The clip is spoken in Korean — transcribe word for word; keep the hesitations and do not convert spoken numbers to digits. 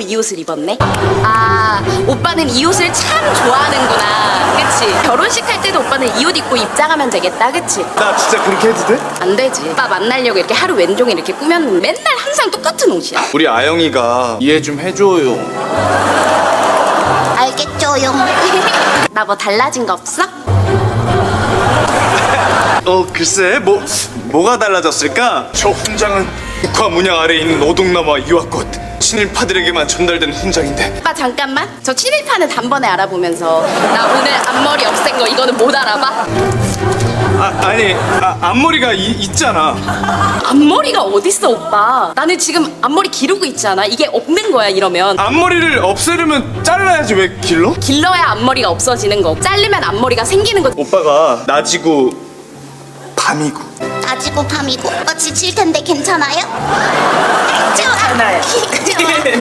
또 이 옷을 입었네. 아, 오빠는 이 옷을 참 좋아하는구나. 그치? 결혼식 할 때도 오빠는 이 옷 입고 입장하면 되겠다. 그치? 나 진짜 그렇게 해도 돼? 안 되지. 오빠 만나려고 이렇게 하루 왼종일 이렇게 꾸몄는데 맨날 항상 똑같은 옷이야. 우리 아영이가 이해 좀 해줘요. 알겠죠용. 나 뭐 달라진 거 없어? 어 글쎄 뭐 뭐가 달라졌을까? 저 훈장은 국화 문양 아래에 있는 오동나무와 이와꽃 친일파들에게만 전달된 훈장인데. 오빠 잠깐만. 저 친일파는 단번에 알아보면서 나 오늘 앞머리 없앤 거 이거는 못 알아봐? 아 아니 아, 앞머리가 이, 있잖아. 앞머리가 어딨어 오빠. 나는 지금 앞머리 기르고 있잖아. 이게 없는 거야 이러면. 앞머리를 없애려면 잘라야지 왜 길러? 길러야 앞머리가 없어지는 거. 자르면 앞머리가 생기는 거. 오빠가 낮이고 밤이고. 낮이고 밤이고 오빠 지칠 텐데 괜찮아요? 괜찮아요. 좋아.